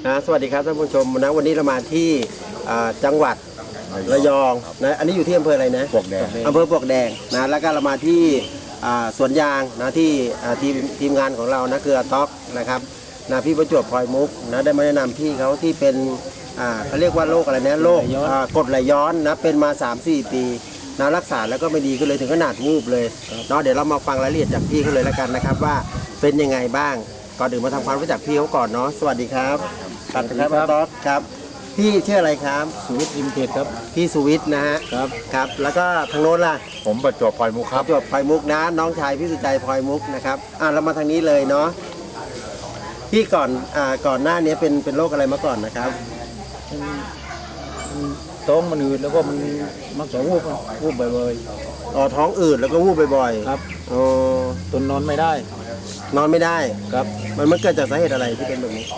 สวัสดีครับท่านผู้ชมนะวันนี้เรามาที่จังหวัดระยองนะอันนี้อยู่ที่อำเภออะไรนะปลวกแดงอำเภอปลวกแดงนะแล้วก็เรามาที่สวนยางนะที่ทีมงานของเรานะคือท็อกนะครับนะพี่ประจวบพลอยมุกนะได้มาแนะนำพี่เขาที่เป็นเขาเรียกว่าโรคอะไรนะโรคกรดไหลย้อนนะเป็นมา 3-4 ปีนะรักษาแล้วก็ไม่ดีก็เลยถึงขนาดวูบเลยเนาะเดี๋ยวเรามาฟังรายละเอียดจากพี่เขาเลยแล้วกันนะครับว่าเป็นยังไงบ้างก่อนอื่นมาทำความรู้จักพี่เขาก่อนเนาะสวัสดีครับสวัสดีครับท็อกครับพี่ชื่ออะไรครับสุวิทย์อิมเพชรครับพี่สุวิทย์นะฮะครับแล้วก็ทางโน้นล่ะผมประจวบพลอยมุกครับประจวบพลอยมุกนะน้องชายพี่สุใจพลอยมุกนะครับเรามาทางนี้เลยเนาะพี่ก่อนหน้านี้เป็นโรคอะไรมาก่อนนะครับท้องมันอืดแล้วก็มันมักจะวูบบ่อยท้องอืดแล้วก็วูบบ่อยๆครับตนนอนไม่ได้นอนไม่ได้ครับมันเกิดจากสาเหตุอะไรที่เป็นแบบนี้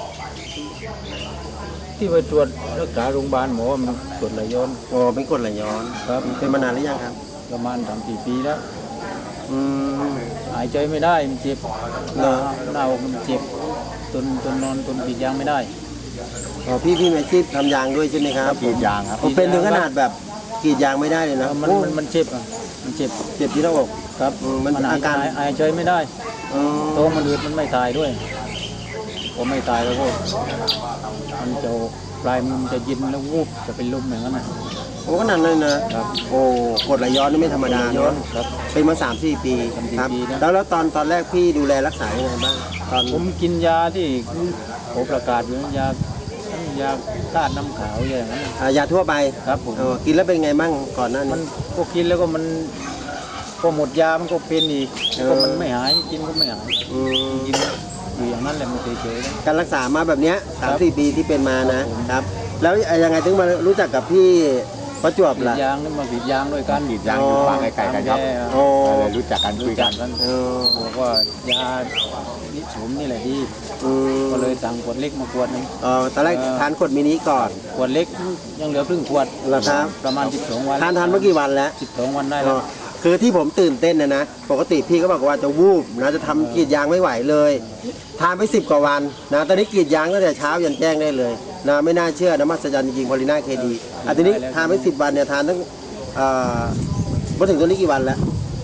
ที่ไปตรวจรักษาโรงพยาบาลหมอว่ามันกรดไหลย้อนเป็นกรดไหลย้อนครับเป็นมานานหรือยังครับประมาณ3-4 ปีแล้วหายใจไม่ได้มันเจ็บหน้าอกมันเจ็บตนนอนตนปิดยางไม่ได้พี่มีอาชีพทำยางด้วยใช่ไหมครับกรีดยางครับเป็นถึงขนาดแบบกรีดยางไม่ได้เลยนะมันเจ็บมันเจ็บที่หน้าอกครับมันอาการหายใจไม่ได้ท้องมันอืดมันไม่ตายด้วยพอไม่ตายแล้วก็มันจะปลายมันจะยินแล้ววูบจะเป็นลมอย่างนั้นนะขนาดนั้นนะครับกรดไหลย้อนนี่ไม่ธรรมดาเนาะเป็นมา 3-4 ปีครับแล้วตอนแรกพี่ดูแลรักษายังไงบ้างผมกินยาที่ผมประกาศอยู่ยาธาตุน้ำขาวอย่างนั้นยาทั่วไปครับผมกินแล้วเป็นไงบ้างก่อนหน้านี้มันก็กินแล้วก็มันพอหมดยามันก็เป็นอีกก็มันไม่หายกินก็ไม่หายกินอยู่อย่างนั้นแหละมันเฉยๆการรักษามาแบบเนี้ย 3-4 ปีที่เป็นมานะครับแล้วยังไงถึงมารู้จักกับพี่ประจวบล่ะยางนี่มาผิดยางด้วยกันผิดยางอยู่ฝั่งไกลๆกันครับเลยรู้จักกันคุยกันบอกว่ายานิสมนี่แหละดีก็เลยสั่งขวดเล็กมาขวดนึงตอนแรกทานขวดมินิก่อนขวดเล็กยังเหลือครึ่งขวดแล้วครับประมาณ12 วันทานเมื่อกี่วันแล้ว 12 วันได้แล้วคือที่ผมตื่นเต้นนะปกติพี่ก็บอกว่าจะวูบนะจะทำกรีดยางไม่ไหวเลยทานไป10 กว่าวันนะตอนนี้กรีดยางตั้งแต่เช้ายันแจ้งได้เลยนะไม่น่าเชื่อนะมหัศจรรย์จริงๆพอลิน่าเคดีทีนี้ทานไป10 วันเนี่ยทานตั้งมาถึงตอนนี้กี่วันแล้ว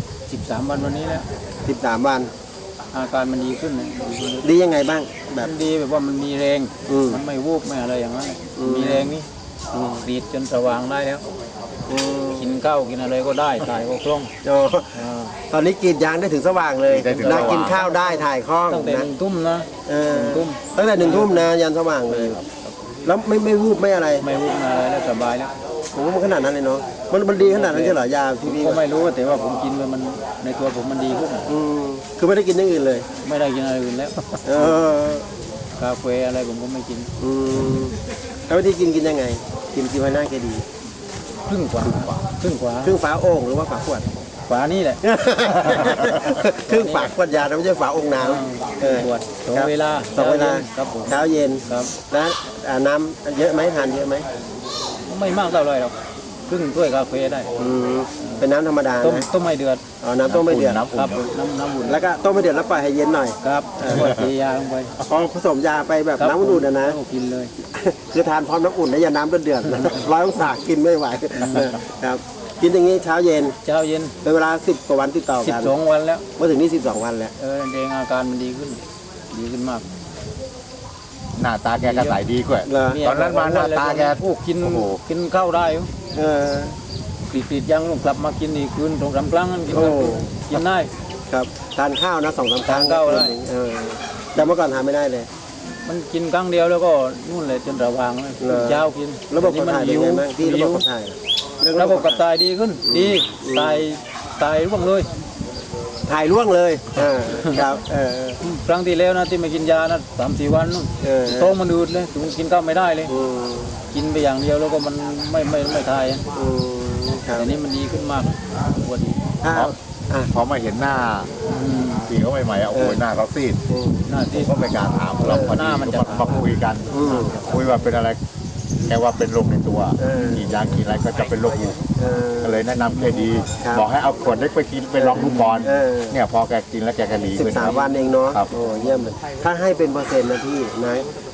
13 วันวันนี้แล้ว 13 วันอาการมันดีขึ้นดียังไงบ้างแบบดีแบบว่ามันมีแรงมันไม่วูบไม่อะไรอย่างนั้นมีแรงนี่กรีดจนสว่างได้แล้วกินข้าวกินอะไรก็ได้ถ่ายก็คล่องตอนนี้กรีดยางได้ถึงสว่างเลยนะกินข้าวได้ถ่ายคล่องตั้งแต่1 ทุ่มนะตั้งแต่1 ทุ่มนะยันสว่างเลยแล้วไม่วูบไม่อะไรไม่วูบอะไรแล้วสบายแล้วมันขนาดนั้นเลยเนาะมันดีขนาดนั้นใช่เหรอยาพี่ก็ไม่รู้แต่ว่าผมกินมันในตัวผมมันดีขึ้นคือไม่ได้กินอย่างอื่นเลยไม่ได้กินอะไรอื่นแล้วกาแฟอะไรผมก็ไม่กินแล้ววิธีกินยังไงกินไว้หน้าแกดีครึ่งฝาโอ่งหรือว่าฝาขวดฝานี่แหละครึ่งฝาขวดยาไม่ใช่ฝาโอ่งน้ำขวด2 เวลาครับเช้าเย็นครับแล้วน้ำเยอะไหมทานเยอะไหมไม่มากเท่าไรหรอกครึ่งถ้วยกาแฟได้เป็นน้ำธรรมดาต้มไม่เดือดน้ำต้มไม่เดือดครับน้ำอุ่นแล้วก็ต้มไม่เดือดแล้วปล่อยให้เย็นหน่อยครับตียาลงไปผสมยาไปแบบน้ำอุ่นนะกินเลยคือทานพร้อมน้ำอุ่นนะอย่าน้ำเดือด100 องศากินไม่ไหวครับกินอย่างนี้เช้าเย็นเป็นเวลา10 กว่าวันติดต่อกัน 12 วันแล้วมาถึงนี่12 วันแล้วเองอาการมันดีขึ้นมากหน้าตาแกก็ใสดีกว่าตอนนั้นมาหน้าตาแกกินข้าวได้ติดยังกลับมากินอีกคืน2-3 ครั้งกินได้ครับทานข้าวนะ2-3 ครั้งข้าวได้แต่เมื่อก่อนทานไม่ได้เลยมันกินครั้งเดียวแล้วก็นู่นเลยจนระวางเลยเช้ากินระบบขับถ่ายเป็นไงบ้างที่ระบบขับถ่ายระบบขับถ่ายดีขึ้นดีตายร่วงเลยถ่ายร่วงเลยครับครั้งที่แล้วนะที่มากินยานะ3-4 วันนู่นท้องมันอืดเลยถึงกินข้าวไม่ได้เลยกินไปอย่างเดียวแล้วก็มันไม่ทายแต่นี้มันดีขึ้นมากปวดดีพอมาเห็นหน้าสีเขาใหม่ๆโอ้ยหน้าเขาซีดก็ไม่กล้าถามเราพอดีมาคุยกันคุยว่าเป็นอะไรแค่ว่าเป็นโรคในตัวกินยากินอะไรก็จะเป็นโรคอยู่ก็เลยแนะนำแกดีบอกให้เอาขวดเล็กไปกินไปลองดูก่อนเนี่ยพอแกกินแล้วแกก็ดีขึ้น 13 วันเองเนาะโอ้เยี่ยมเลยถ้าให้เป็นเปอร์เซ็นต์นะพี่นะ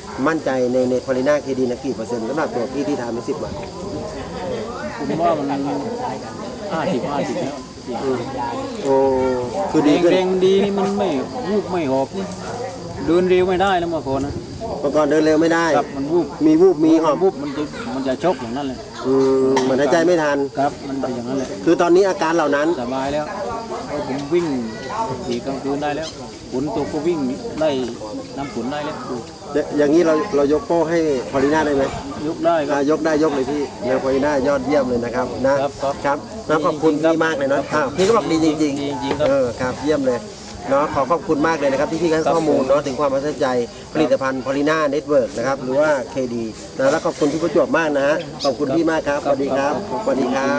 มั่นใจในพอลิน่าเคดีนะกี่เปอร์เซ็นต์สำหรับตัวพี่ที่ทานไป10 วันผมว่ามัน50แล้วโอ้คือดีขึ้นแรงมันดีนี่มันไม่วูบไม่หอบนี่เดินเร็วไม่ได้แล้วเมื่อก่อนนะเมื่อก่อนเดินเร็วไม่ได้ครับมันวูบมีหอบวูบมันจะชกอย่างนั้นเลยเหมือนหายใจไม่ทันครับมันเป็นอย่างนั้นเลยคือตอนนี้อาการเหล่านั้นสบายแล้วเพราะผมวิ่งขี่กลางคืนได้แล้วฝนตกก็วิ่งได้น้ำฝนได้แล้วอย่างนี้เรายกโป้ให้พอลิน่าได้ไหมยกได้ครับยกได้ยกเลยพี่เนพอลิน่ายอดเยี่ยมเลยนะครับนะครับ ครับขอบคุณพี่มากเลยเนาะพี่ก็บอกดีจริงดีจริงครับครับเยี่ยมเลยเนาะขอบคุณมากเลยนะครับที่พี่ให้ข้อมูลเนาะถึงความประทับใจผลิตภัณฑ์พอลิน่าเน็ตเวิร์กนะครับหรือว่า KD นะแล้วขอบคุณพี่ประจวบมากนะฮะขอบคุณพี่มากครับสวัสดีครับสวัสดีครับ